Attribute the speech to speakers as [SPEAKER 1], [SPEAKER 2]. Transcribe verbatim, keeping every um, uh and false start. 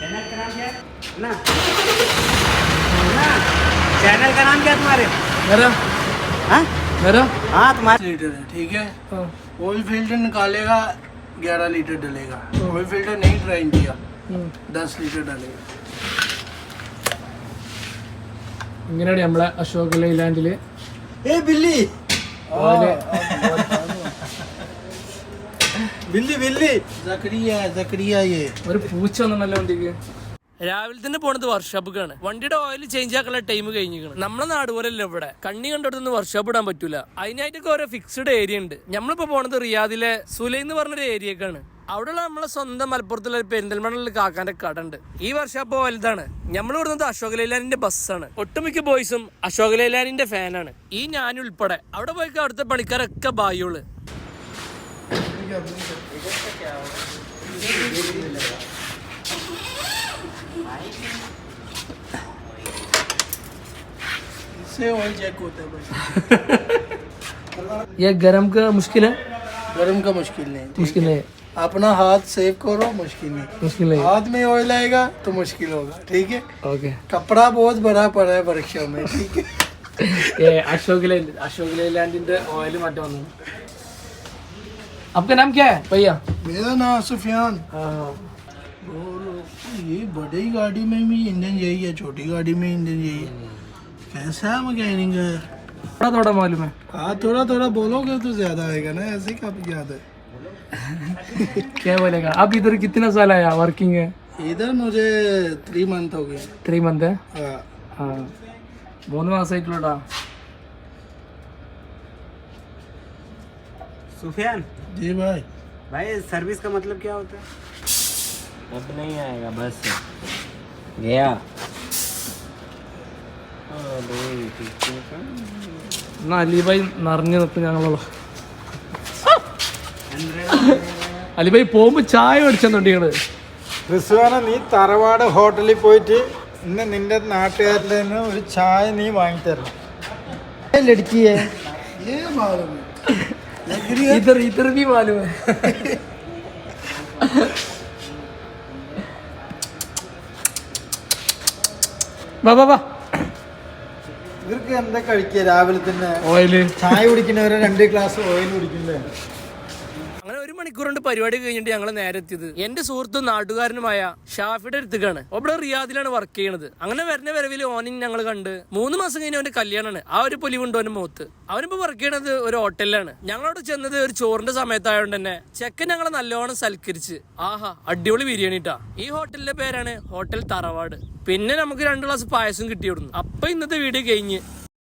[SPEAKER 1] Channel का नाम क्या है ना ना चैनल का नाम क्या है तुम्हारे?
[SPEAKER 2] मेरा
[SPEAKER 1] हाँ
[SPEAKER 2] मेरा
[SPEAKER 1] हाँ तुम्हारे
[SPEAKER 3] लीटर है, ठीक है।
[SPEAKER 2] हाँ।
[SPEAKER 3] ऑयल फिल्टर निकालेगा ग्यारह लीटर डलेगा। ऑयल फिल्टर नहीं ड्राइन किया दस लीटर डलेगा।
[SPEAKER 2] ഇങ്ങനെയാണ് നമ്മളെ അശോക് ലൈലാൻഡില്
[SPEAKER 1] ए बिल्ली
[SPEAKER 2] ഓയില്
[SPEAKER 1] बिल्ली बिल्ली
[SPEAKER 3] जकरिया है, जकरिया ये
[SPEAKER 2] ഒരു പൂച്ച വന്നിട്ടല്ലോ വണ്ടിക്ക്.
[SPEAKER 4] രാവിലെ തന്നെ പോണത് വർക്ക്ഷോപ്പിക്കാണ്. വണ്ടിയുടെ ഓയിൽ ചേഞ്ച് ആക്കാനുള്ള ടൈം കഴിഞ്ഞിരിക്കണം. നമ്മളെ നാട് പോലെയല്ല ഇവിടെ കണ്ണി കണ്ടോടൊന്നും വർക്ക്ഷോപ്പ് ഇടാൻ പറ്റൂല. അതിനായിട്ടൊക്കെ ഓരോ ഫിക്സ്ഡ് ഏരിയ ഉണ്ട്. നമ്മളിപ്പോ പോണത് റിയാദിലെ സുലൈ എന്ന് പറഞ്ഞൊരു ഏരിയക്കാണ്. അവിടെയുള്ള നമ്മളെ സ്വന്തം മലപ്പുറത്തുള്ള പെരിന്തൽമണ്ണയിൽ കാക്കാന്റെ കട ഉണ്ട്. ഈ വർക്ക്ഷോപ്പ് വലുതാണ്. നമ്മൾ ഇവിടുന്നത് അശോക് ലൈലാൻഡിന്റെ ബസ്സാണ്. ഒട്ടുമിക്ക ബോയ്സും അശോക് ലൈലാൻഡിന്റെ ഫാനാണ്, ഈ ഞാനുൾപ്പെടെ. അവിടെ പോയി അവിടുത്തെ പണിക്കാരൊക്കെ ബായോള്.
[SPEAKER 3] इससे ऑयल चेक होता है बस।
[SPEAKER 2] ये गरम का मुश्किल है
[SPEAKER 3] गर्म का मुश्किल नहीं, ठीक
[SPEAKER 2] मुश्किल है
[SPEAKER 3] अपना हाथ सेव करो, मुश्किल नहीं।
[SPEAKER 2] मुश्किल है
[SPEAKER 3] हाथ में ऑयल आएगा तो मुश्किल होगा, ठीक है।
[SPEAKER 2] ओके.
[SPEAKER 3] कपड़ा बहुत बड़ा पड़ा है वर्कशॉप में, ठीक है।
[SPEAKER 2] ये अशोक लैंड अशोक लैंडिന്റെ ഓയിൽ മാറ്റം വന്നു. आपका नाम क्या है भैया?
[SPEAKER 3] मेरा नाम सुफियान।
[SPEAKER 2] हाँ.
[SPEAKER 3] ये बड़ी गाड़ी में भी इंजन यही है, छोटी गाड़ी में इंजन यही है। कैसा है मैकेनिक है?
[SPEAKER 2] थोड़ा थोड़ा मालूम है.
[SPEAKER 3] हाँ थोड़ा थोड़ा बोलोगे तो ज्यादा आएगा ना, ऐसे काफी ज्यादा है।
[SPEAKER 2] क्या बोलेगा? आप इधर कितना साल आया वर्किंग है?
[SPEAKER 3] इधर मुझे थ्री मंथ हो गए।
[SPEAKER 2] Three month.
[SPEAKER 3] हाँ
[SPEAKER 2] ആ മൂന്ന് മാസമായിട്ടുള്ളൂടാ.
[SPEAKER 1] सुफियान
[SPEAKER 3] जी भाई।
[SPEAKER 1] भाई सर्विस का मतलब क्या होता है?
[SPEAKER 5] अब नहीं आएगा बस गया।
[SPEAKER 2] എന്നാ അലിബായി നിറഞ്ഞു നിൽക്കും ഞങ്ങളുള്ള. അലിബായി പോകുമ്പോ ചായ മേടിച്ചെന്നുണ്ട് ഞങ്ങള്.
[SPEAKER 6] റിസ്വാന, നീ തറവാട് ഹോട്ടലിൽ പോയിട്ട് ഇന്ന് നിന്റെ നാട്ടുകാരുടെ നിന്ന് ഒരു ചായ നീ വാങ്ങിത്തരണം. ലടുക്കിയേ
[SPEAKER 3] ये मालूम है।
[SPEAKER 2] ഇതർ ഇതർ भी मालूम है. വാ വാ വാ.
[SPEAKER 6] ഇവർക്ക് എന്താ കഴിക്കുക രാവിലെ തന്നെ?
[SPEAKER 2] ഓയില്
[SPEAKER 6] ചായ കുടിക്കുന്നവരെ രണ്ട് ഗ്ലാസ് ഓയിൽ കുടിക്കില്ലേ?
[SPEAKER 4] അങ്ങനെ ഒരു മണിക്കൂർ കൊണ്ട് പരിപാടി കഴിഞ്ഞിട്ട് ഞങ്ങൾ നേരെ എത്തിയത് എന്റെ സുഹൃത്തും നാട്ടുകാരനുമായ ഷാഫിയുടെ അടുത്തേക്കാണ്. ഇവിടെ റിയാദിലാണ് വർക്ക് ചെയ്യണത്. അങ്ങനെ വരുന്ന വരവിൽ ഓനിൻ ഞങ്ങൾ കണ്ട്. മൂന്ന് മാസം കഴിഞ്ഞ അവന്റെ കല്യാണമാണ്. ആ ഒരു പൊലിവുണ്ട് അവന്റെ മുഖത്ത്. അവനിപ്പോ വർക്ക് ചെയ്യണത് ഒരു ഹോട്ടലിലാണ്. ഞങ്ങളവിടെ ചെന്നത് ഒരു ചോറിന്റെ സമയത്തായതുകൊണ്ട് തന്നെ ചെക്കൻ ഞങ്ങളെ നല്ലോണം സൽക്കരിച്ച്. ആഹാ അടിപൊളി ബിരിയാണിട്ടാ. ഈ ഹോട്ടലിന്റെ പേരാണ് ഹോട്ടൽ തറവാട്. പിന്നെ നമുക്ക് രണ്ട് ഗ്ലാസ് പായസം കിട്ടിയിടുന്നു. അപ്പൊ ഇന്നത്തെ വീഡിയോ കഴിഞ്ഞ്